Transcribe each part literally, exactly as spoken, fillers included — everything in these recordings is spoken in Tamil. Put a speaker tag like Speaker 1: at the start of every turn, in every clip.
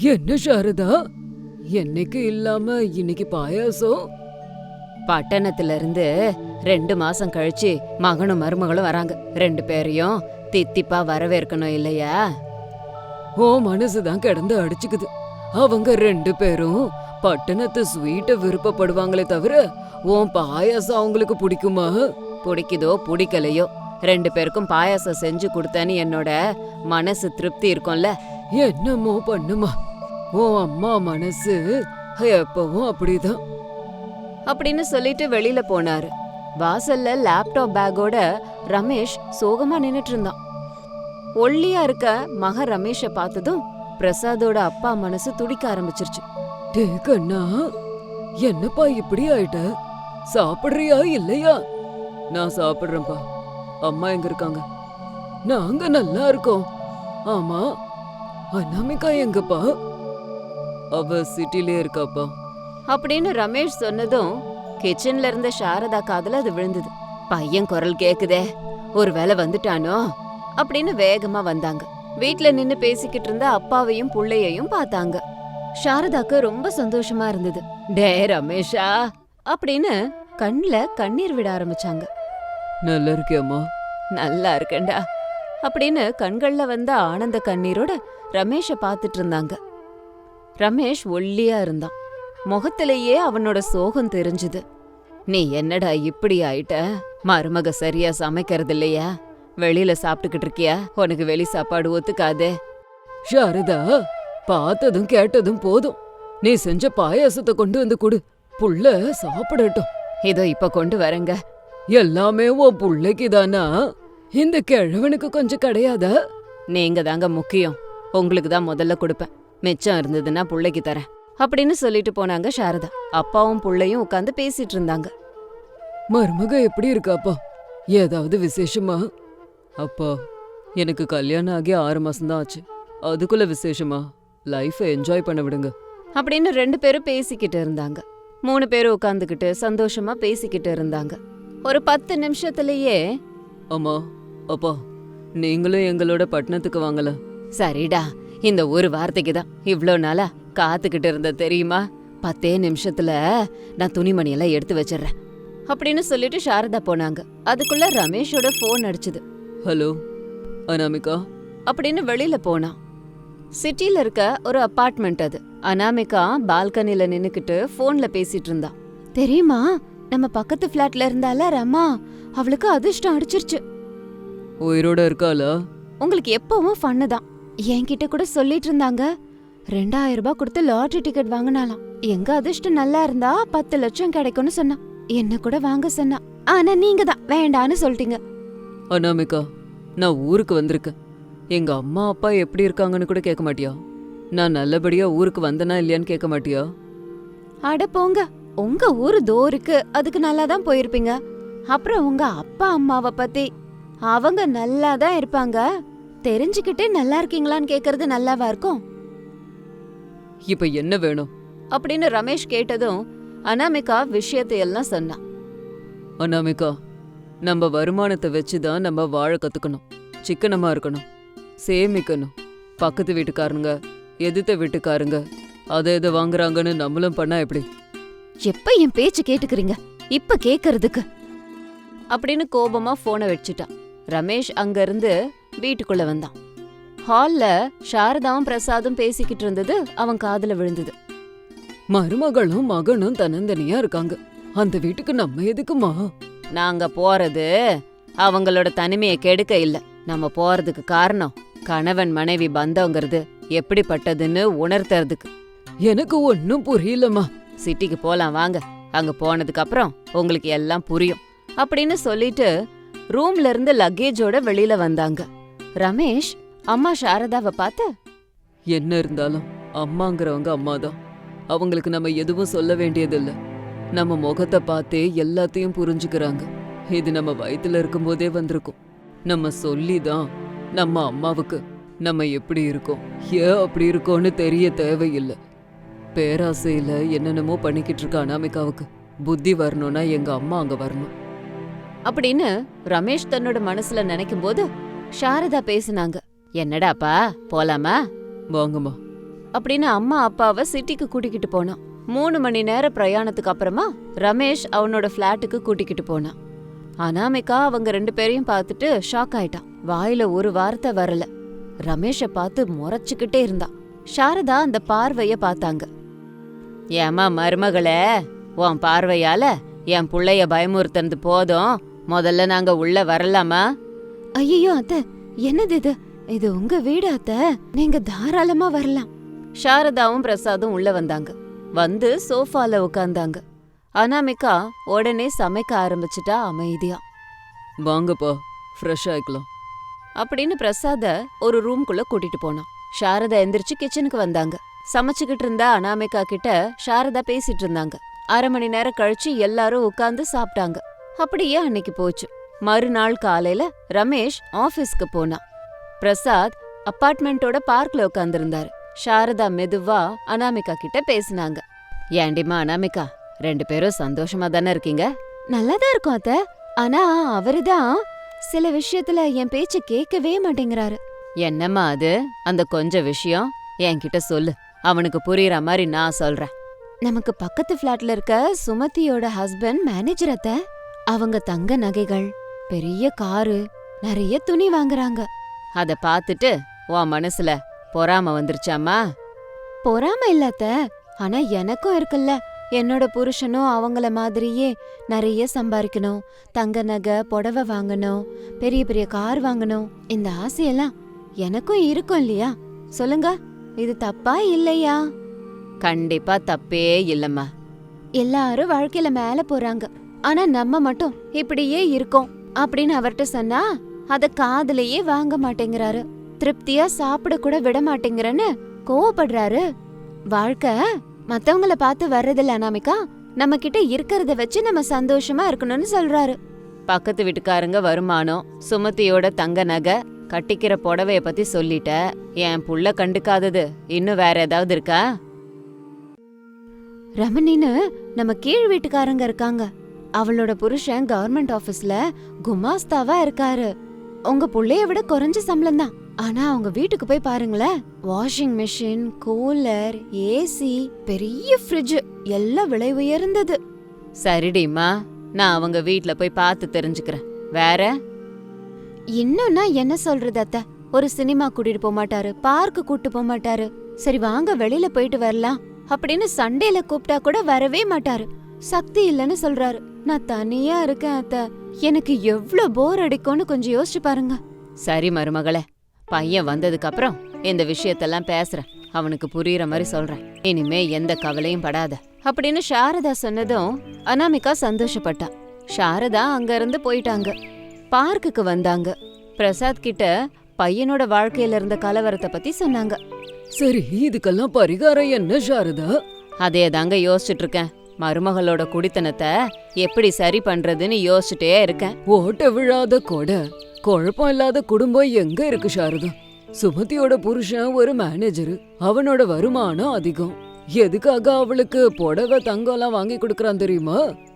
Speaker 1: என்ன சாரதா, என்னைக்கு இல்லாம இன்னைக்கு பாயாசம்?
Speaker 2: பட்டணத்துல இருந்து ரெண்டு மாசம் கழிச்சு மகனும் மருமகளும் வராங்க. ரெண்டு பேரையும் தித்திப்பா வரவேற்கணும் இல்லையா?
Speaker 1: ஓ மனசுதான் கிடந்து அடிச்சுக்குது. அவங்க ரெண்டு பேரும் பட்டணத்து ஸ்வீட்ட விருப்பப்படுவாங்களே தவிர உன் பாயாசம் அவங்களுக்கு பிடிக்குமா?
Speaker 2: பிடிக்குதோ பிடிக்கலையோ, ரெண்டு பேருக்கும் பாயாசம் செஞ்சு கொடுத்தேன்னு என்னோட மனசு திருப்தி இருக்கும்ல.
Speaker 1: என்னமோ பண்ணுமா, உன் அம்மா மனசு எப்பவும் அப்படிதான்
Speaker 2: அப்படின்னு சொல்லிட்டு வெளியில போனாரு. வாசல்ல லேப்டாப் பேக்கோட ரமேஷ் சோகமா நின்னுட்டு இருந்தான். ஒல்லியா இருக்க மக ரமேஷ பார்த்ததும் பிரசாதோட அப்பா மனசு துடிக்க ஆரம்பிச்சிருச்சு.
Speaker 1: டே கண்ணா, என்னப்பா இப்படி ஆயிட்ட? சாப்பிடுறியா இல்லையா? நான் சாப்பிடுறேன்ப்பா. அம்மா எங்க இருக்காங்க? நாங்க நல்லா இருக்கோம். ஆமா, அனாமிகா எங்கப்பா? அவ சிட்டிலே இருக்காப்பா
Speaker 2: அப்படின்னு ரமேஷ் சொன்னதும் கிச்சன்ல இருந்த சாரதா காதுல அது விழுந்தது. பையன் குரல் கேக்குதே, ஒருவேளை வந்துட்டானோ அப்படின்னு வேகமா வந்தாங்க. வீட்ல நின்னு பேசிக்கிட்டு இருந்த அப்பாவையும் புள்ளையையும் பார்த்தாங்க. சாரதாக்கு ரொம்ப சந்தோஷமா இருந்தது. டே ரமேஷா அப்படின்னு கண்ணுல கண்ணீர் விட ஆரம்பிச்சாங்க.
Speaker 1: நல்லா இருக்கியாம்மா?
Speaker 2: நல்லா இருக்கேன்டா அப்படின்னு கண்கள்ல வந்த ஆனந்த கண்ணீரோட ரமேஷ பாத்துட்டு இருந்தாங்க. ரமேஷ் ஒல்லியா இருந்தான். முகத்திலேயே அவனோட சோகம் தெரிஞ்சுது. நீ என்னடா இப்படி ஆயிட்ட? மருமக சரியா சமைக்கிறது இல்லையா? வெளியில சாப்பிட்டுக்கிட்டு இருக்கியா? உனக்கு வெளி சாப்பாடு ஒத்துக்காதே.
Speaker 1: சாரதா, பார்த்ததும் கேட்டதும் போதும். நீ செஞ்ச பாயாசத்தை கொண்டு வந்து கொடு, புள்ள சாப்பிடட்டும்.
Speaker 2: இதோ இப்ப கொண்டு வரேங்க.
Speaker 1: எல்லாமே உன் புள்ளைக்கு தானா? இந்த கிழவனுக்கு கொஞ்சம் கிடையாதா?
Speaker 2: நீங்க தாங்க முக்கியம். உங்களுக்கு தான் முதல்ல கொடுப்பேன். மிச்சம் இருந்ததுன்னா புள்ளைக்கு தரேன் அப்படின்னு சொல்லிட்டு போனாங்க சாரதா. அப்பாவும் புள்ளையும் உட்காந்து பேசிட்டு இருந்தாங்க.
Speaker 1: மருமக எப்படி இருக்காப்பா? ஏதாவது விசேஷமா? அப்பா, எனக்கு கல்யாணம் ஆகி ஆறு மாசம்தான் ஆச்சு. அதுக்குள்ள விசேஷமா? லைஃபை என்ஜாய் பண்ண விடுங்க
Speaker 2: அப்படின்னு ரெண்டு பேரும் பேசிக்கிட்டு இருந்தாங்க. மூணு பேரும் உட்காந்துக்கிட்டு சந்தோஷமா பேசிக்கிட்டு இருந்தாங்க. ஒரு பத்து நிமிஷத்துலயே,
Speaker 1: அம்மா அப்பா, நீங்களும் எங்களோட பட்டணத்துக்கு வாங்கல?
Speaker 2: சரிடா, இந்த ஒரு வார்த்தைக்கு தான் இவ்ளோ நாளா காத்துக்கிட்டு இருந்த தெரியுமா? பத்தே நிமிஷத்துல நான் துணிமணியெல்லாம் எடுத்து வச்சிடுறேன் அப்படின்னு சொல்லிட்டு சாரதா போனாங்க. அதுக்குள்ள ரமேஷோட போன் அடிச்சுது.
Speaker 1: ஹலோ அனாமிகா
Speaker 2: அப்படின்னு வெளியில போனான். சிட்டில இருக்க ஒரு அபார்ட்மெண்ட் அது. அனாமிகா பால்கனில நின்னுக்கிட்டு போன்ல பேசிட்டு இருந்தா. தெரியுமா, நம்ம பக்கத்து பிளாட்ல இருந்தால ரமா, அவளுக்கு அதிர்ஷ்டம் அடிச்சிருச்சு.
Speaker 1: உயிரோட இருக்காளா?
Speaker 2: உங்களுக்கு எப்பவும் ஃபன்னு தான். என்கிட்ட கூட சொல்லிட்டு இருந்தாங்க. ரெண்டாயிரம் ரூபாய் கொடுத்து லாட்டரி டிக்கெட் வாங்கினாலாம். எங்க அதிர்ஷ்டம் நல்லா இருந்தா பத்து லட்சம் கிடைக்கும்னு சொன்னா. என்ன கூட வாங்க சொன்னா. ஆனா நீங்க தான் வேண்டான்னு சொல்லிட்டீங்க.
Speaker 1: அனாமிகா, நான் ஊருக்கு வந்திருக்கேன். எங்க அம்மா அப்பா எப்படி இருக்காங்கன்னு கூட கேட்க மாட்டியா? நான் நல்லபடியா ஊருக்கு வந்தனா இல்லையான்னு கேட்க மாட்டியா?
Speaker 2: அட போங்க, உங்க ஊரு தோருக்கு, அதுக்கு நல்லா தான் போயிருப்பீங்க. அப்புறம் உங்க அப்பா அம்மாவை பத்தி, அவங்க நல்லா தான் இருப்பாங்க. தெரிஞ்சுக்கிட்டே நல்லா இருக்கீங்களான்னு கேக்குறது நல்லாவா இருக்கும்?
Speaker 1: இப்ப என்ன வேணும்
Speaker 2: அப்படின்னு ரமேஷ் கேட்டதும் அனாமிகா விஷயத்தை எல்லாம் சொன்னா.
Speaker 1: அனாமிகா, நம்ம வருமானத்தை வச்சுதான் நம்ம வாழ கத்துக்கணும். சிக்கனமா இருக்கணும், சேமிக்கணும். பக்கத்து வீட்டுக்காரங்க, எதிர்த்த வீட்டுக்காரங்க அதை எதை வாங்குறாங்கன்னு நம்மளும் பண்ணா எப்படி?
Speaker 2: எப்ப என் பேச்சு கேட்டுக்கிறீங்க இப்ப கேக்குறதுக்கு அப்படின்னு கோபமா போனை வச்சுட்டான். ரமேஷ் அங்க இருந்து வீட்டுக்குள்ள வந்தான். ஹால்ல சாரதாவும் பிரசாதும் பேசிக்கிட்டு இருந்தது அவன் காதுல விழுந்தது.
Speaker 1: மருமகளும் மகனும் தன்னந்தனியா இருக்காங்க. அந்த வீட்டுக்கு நம்ம எதுக்குமா?
Speaker 2: நாங்க போறது அவங்களோட தனிமையை கெடுக்க இல்ல. நம்ம போறதுக்கு காரணம் கணவன் மனைவி பந்தங்கிறது எப்படிப்பட்டதுன்னு உணர்த்துறதுக்கு.
Speaker 1: எனக்கு ஒன்னும் புரியலமா.
Speaker 2: சிட்டிக்கு போலாம் வாங்க, அங்க போனதுக்கு அப்புறம் உங்களுக்கு எல்லாம் புரியும் அப்படின்னு சொல்லிட்டு ரூம்ல இருந்து லக்கேஜோட வெளியில வந்தாங்க. ரமேஷ் அம்மா சாரதாவை பார்த்து,
Speaker 1: என்ன இருந்தாலும் அம்மாங்கிறவங்க அம்மாதான். அவங்களுக்கு நம்ம எதுவும் சொல்ல வேண்டியதில்ல. நம்ம முகத்தை பார்த்தே எல்லாத்தையும் புரிஞ்சுக்கிறாங்க. இது நம்ம வயித்துல இருக்கும்போதே வந்திருக்கும். நம்ம சொல்லிதான் நம்ம அம்மாவுக்கு நம்ம எப்படி இருக்கோம், ஏன் அப்படி இருக்கோன்னு தெரிய தேவையில்லை. பேராசையில என்னென்னமோ பண்ணிக்கிட்டு இருக்க அனாமிகாவுக்கு புத்தி வரணும்னா எங்க அம்மா அங்க வரணும்
Speaker 2: அப்படின்னு ரமேஷ் தன்னோட மனசுல நினைக்கும் போது சாரதா பேசினாங்க. என்னடாப்பா, போலாமா?
Speaker 1: வாங்கம்மா.
Speaker 2: அப்படின்னு அம்மா அப்பாவை சிட்டிக்கு கூட்டிக்கிட்டு போனான். மூணு மணி நேர பிரயாணத்துக்கு அப்புறமா ரமேஷ் அவனோட பிளாட்டுக்கு கூட்டிக்கிட்டு போனான். அனாமிகா அவங்க ரெண்டு பேரையும் பார்த்துட்டு ஷாக் ஆயிட்டான். வாயில ஒரு வார்த்தை வரல. ரமேஷ பார்த்து முறைச்சுக்கிட்டே இருந்தான். சாரதா அந்த பார்வைய பார்த்தாங்க. ஏமா மருமகளே, உன் பார்வையால என் புள்ளைய பயமுறுத்துறது போதும், முதல்ல நாங்க உள்ள வரலாமா? ஐயோ அத்த, என்னது இது? இது உங்க வீடு அத்த, நீங்க தாராளமா வரலாம். சாரதாவும் பிரசாதும் உள்ள வந்தாங்க. வந்து சோஃபால உட்கார்ந்தாங்க. அனாமிகா உடனே சமைக்க ஆரம்பிச்சுட்டா அமைதியா.
Speaker 1: வாங்கப்பா, ஃப்ரெஷ் ஆயிக்கலாம்
Speaker 2: அப்படின்னு பிரசாத ஒரு ரூம்குள்ள கூட்டிட்டு போனான். சாரதா எந்திரிச்சு கிச்சனுக்கு வந்தாங்க. சமைச்சுக்கிட்டு இருந்தா அனாமிகா கிட்ட சாரதா பேசிட்டு இருந்தாங்க. அரை மணி நேரம் கழிச்சு எல்லாரும் உட்கார்ந்து சாப்பிட்டாங்க. அப்படியே அன்னைக்கு போச்சு. மறுநாள் காலையில ரமேஷ் ஆபீஸ்க்கு போனான். பிரசாத் அப்பார்ட்மெண்டோட பார்க்ல உட்கார்ந்திருந்தாரு. சாரதா மெதுவா அனாமிகா கிட்ட பேசினாங்க. ஏண்டிமா அனாமிகா, ரெண்டு பேரும் சந்தோஷமா தானே இருக்கீங்க? நல்லாதான் இருக்கும் அத்த. ஆனா அவருதான் சில விஷயத்துல என் பேச்ச கேட்கவே மாட்டேங்கிறாரு. என்னம்மா அது? அந்த கொஞ்ச விஷயம் என்கிட்ட சொல்லு, அவனுக்கு புரியுற மாதிரி நான் சொல்றேன். நமக்கு பக்கத்து பிளாட்ல இருக்க சுமதியோட ஹஸ்பண்ட் மேனேஜர் அத்த. அவங்க தங்க நகைகள், பெரிய காரு, நிறைய துணி வாங்குறாங்க. அத பாத்துட்டு உன் மனசுல பொறாம வந்துருச்சாமா? பொறாம இல்ல அத்த, ஆனா எனக்கும் இருக்குல்ல, என்னோட புருஷனும் அவங்கள மாதிரியே நிறைய சம்பாதிக்கணும், தங்க நகை புடவை வாங்கணும், பெரிய பெரிய கார் வாங்கணும். இந்த ஆசையெல்லாம் எனக்கும் இருக்கும் இல்லையா? சொல்லுங்க, இது தப்பா இல்லையா? கண்டிப்பா தப்பே இல்லம்மா. எல்லாரும் வாழ்க்கையில மேல போறாங்க, ஆனா நம்ம மட்டும் இப்படியே இருக்கோம் அப்படின்னு அவர்கிட்ட சொன்னா அத காதுலயே வாங்க மாட்டேங்கிறாரு. திருப்தியா சாப்பிட கூட விட மாட்டேங்கிறன்னு கோவப்படுறாரு. வாழ்க்கை மத்தவங்கள பார்த்து வர்றதில்ல அனாமிகா, நம்ம கிட்ட இருக்கிறத வச்சு நம்ம சந்தோஷமா இருக்கணும்னு சொல்றாரு. பக்கத்து வீட்டுக்காரங்க வருமானம், சுமதியோட தங்க நகை, கட்டிக்கிற புடவைய பத்தி சொல்லிட்ட. என் புள்ள கண்டுக்காதது இன்னும் வேற ஏதாவது இருக்கா? ரமணின்னு நம்ம கீழ் வீட்டுக்காரங்க இருக்காங்க. அவளோட புருஷன் கவர்மெண்ட் ஆபீஸ்ல குமாஸ்தாவா இருக்காரு. உங்க புள்ளைய விட குறைஞ்ச சம்பளம் தான். ஆனா அவங்க வீட்டுக்கு போய் பாருங்களேன், வாஷிங் மிஷின், கூலர், ஏசி, பெரிய ஃப்ரிட்ஜ் எல்லாம் விலை உயர்ந்தது. சரிடிமா, நான் அவங்க வீட்ல போய் பார்த்து தெரிஞ்சுக்கிறேன். வேற இன்னும்னா என்ன சொல்றது அத்த? ஒரு சினிமா கூட்டிட்டு போக மாட்டாரு, பார்க்கு கூட்டு போக மாட்டாரு. சரி வாங்க வெளியில போயிட்டு வரலாம் அப்படின்னு சண்டேல கூப்பிட்டா கூட வரவே மாட்டாரு. சக்தி இல்லன்னு சொல்றாரு. நான் தனியா இருக்கேன் அத்த, எனக்கு எவ்வளவு போர் அடிக்கும்னு கொஞ்சம் யோசிச்சு பாருங்க. சரி மருமகளே, பையன் வந்ததுக்கு அப்புறம் இந்த விஷயத்தெல்லாம் பேசுறேன், அவனுக்கு புரியுற மாதிரி சொல்றேன். இனிமே எந்த கவலையும் படாத அப்படின்னு சாரதா சொன்னதும் அனாமிகா சந்தோஷப்பட்டா. சாரதா அங்க இருந்து போயிட்டாங்க. பார்க்குக்கு வந்தாங்க. பிரசாத் கிட்ட பையனோட வாழ்க்கையில இருந்த கலவரத்தை பத்தி சொன்னாங்க.
Speaker 1: சரி, இதுக்கெல்லாம் பரிகாரம் என்ன சாரதா?
Speaker 2: அதே தாங்க யோசிச்சுட்டு இருக்கேன். மருமகளோட குடித்தனத்தை எப்படி சரி பண்றதுன்னு யோசிச்சுட்டே இருக்கேன்.
Speaker 1: ஓட்ட விழாத கொடை, குழப்பம் இல்லாத குடும்பம் எங்க இருக்கு சாரதா? சுமதியோட புருஷன் ஒரு மேனேஜரு, அவனோட வருமானம் அதிகம். எதுக்காக அவளுக்கு புடவை தங்கம்லாம் வாங்கி கொடுக்கறான் தெரியுமா?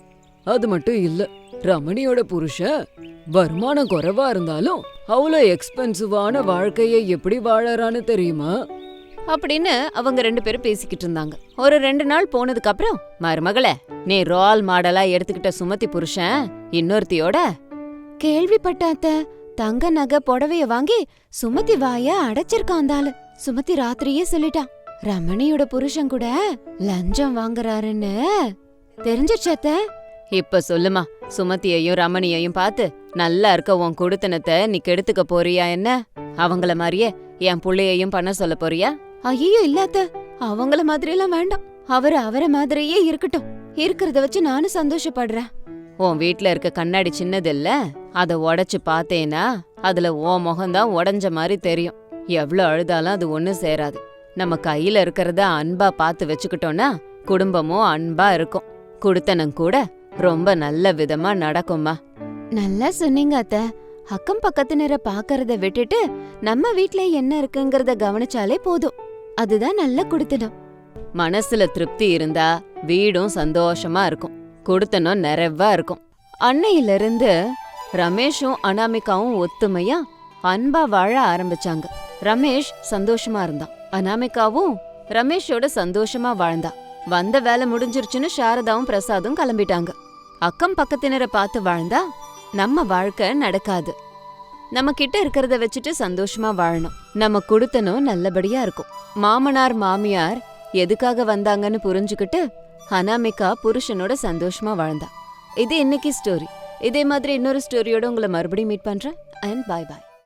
Speaker 1: அது மட்டும் இல்ல, ரமணியோட புருஷன் வருமானம் குறைவா இருந்தாலும் அவ்வளோ எக்ஸ்பென்சிவான வாழ்க்கையை எப்படி வாழறான்னு தெரியுமா?
Speaker 2: அப்படின்னு அவங்க ரெண்டு பேரும் பேசிக்கிட்டு இருந்தாங்க. ஒரு ரெண்டு நாள் போனதுக்கு அப்புறம், மருமகளே, நீ ரோல் மாடலா எடுத்துக்கிட்ட சுமதி புருஷன் இன்னொருத்தியோட கேள்விப்பட்டாத்த தங்க நகை புடவைய வாங்கி சுமதி வாய அடைச்சிருக்காந்தாளு. சுமதி ராத்திரியே சொல்லிட்டான், ரமணியோட புருஷன் கூட லஞ்சம் வாங்குறாருன்னு. தெரிஞ்சிருச்சத்த? இப்ப சொல்லுமா, சுமதியையும் ரமணியையும் பார்த்து நல்லா இருக்க உன் குடுத்தனத்தை நீ கெடுத்துக்க போறியா என்ன? அவங்கள மாதிரியே என் புள்ளையையும் பண்ண சொல்ல போறியா? ஐயோ இல்லாத்த, அவங்கள மாதிரி எல்லாம் வேண்டாம். அவரு அவர மாதிரியே இருக்கட்டும். இருக்கிறத வச்சு நானும் சந்தோஷப்படுறேன். உன் வீட்ல இருக்க கண்ணாடி சின்னது இல்ல, அத உடைச்சு பார்த்தேனா அதுல உன் முகம்தான் உடைஞ்ச மாதிரி தெரியும். எவ்வளவு அழுதாலும் அது ஒண்ணு சேராது. நம்ம கையில இருக்கிறத அன்பா பார்த்து வச்சுக்கிட்டோம்னா குடும்பமும் அன்பா இருக்கும். குடுத்தனம் கூட ரொம்ப நல்ல விதமா நடக்கும்மா. நல்லா சொன்னீங்க அத்த. அக்கம் பக்கத்தினரை பாக்கறத விட்டுட்டு நம்ம வீட்ல என்ன இருக்குங்கறத கவனிச்சாலே போதும். அதுதான் நல்ல குடுத்தனம். மனசுல திருப்தி இருந்தா வீடும் சந்தோஷமா இருக்கும், குடுத்தனம் நிறைவா இருக்கும். அன்னையில இருந்து ரமேஷும் அனாமிகாவும் ஒத்துமையா அன்பா வாழ ஆரம்பிச்சாங்க. ரமேஷ் சந்தோஷமா இருந்தான். அனாமிகாவும் ரமேஷோட சந்தோஷமா வாழ்ந்தா. வந்த வேலை முடிஞ்சிருச்சுன்னு சாரதாவும் பிரசாதும் கிளம்பிட்டாங்க. அக்கம் பக்கத்தினரை பார்த்து வாழ்ந்தா நம்ம வாழ்க்கை நடக்காது. நம்ம கிட்ட இருக்கிறத வச்சுட்டு சந்தோஷமா வாழணும். நம்ம குடுத்தனும் நல்லபடியா இருக்கும். மாமனார் மாமியார் எதுக்காக வந்தாங்கன்னு புரிஞ்சுக்கிட்டு அனாமிகா புருஷனோட சந்தோஷமா வாழ்ந்தா. இது இன்னைக்கு ஸ்டோரி. இதே மாதிரி இன்னொரு ஸ்டோரியோட உங்களை மறுபடியும் மீட் பண்றேன். And bye bye.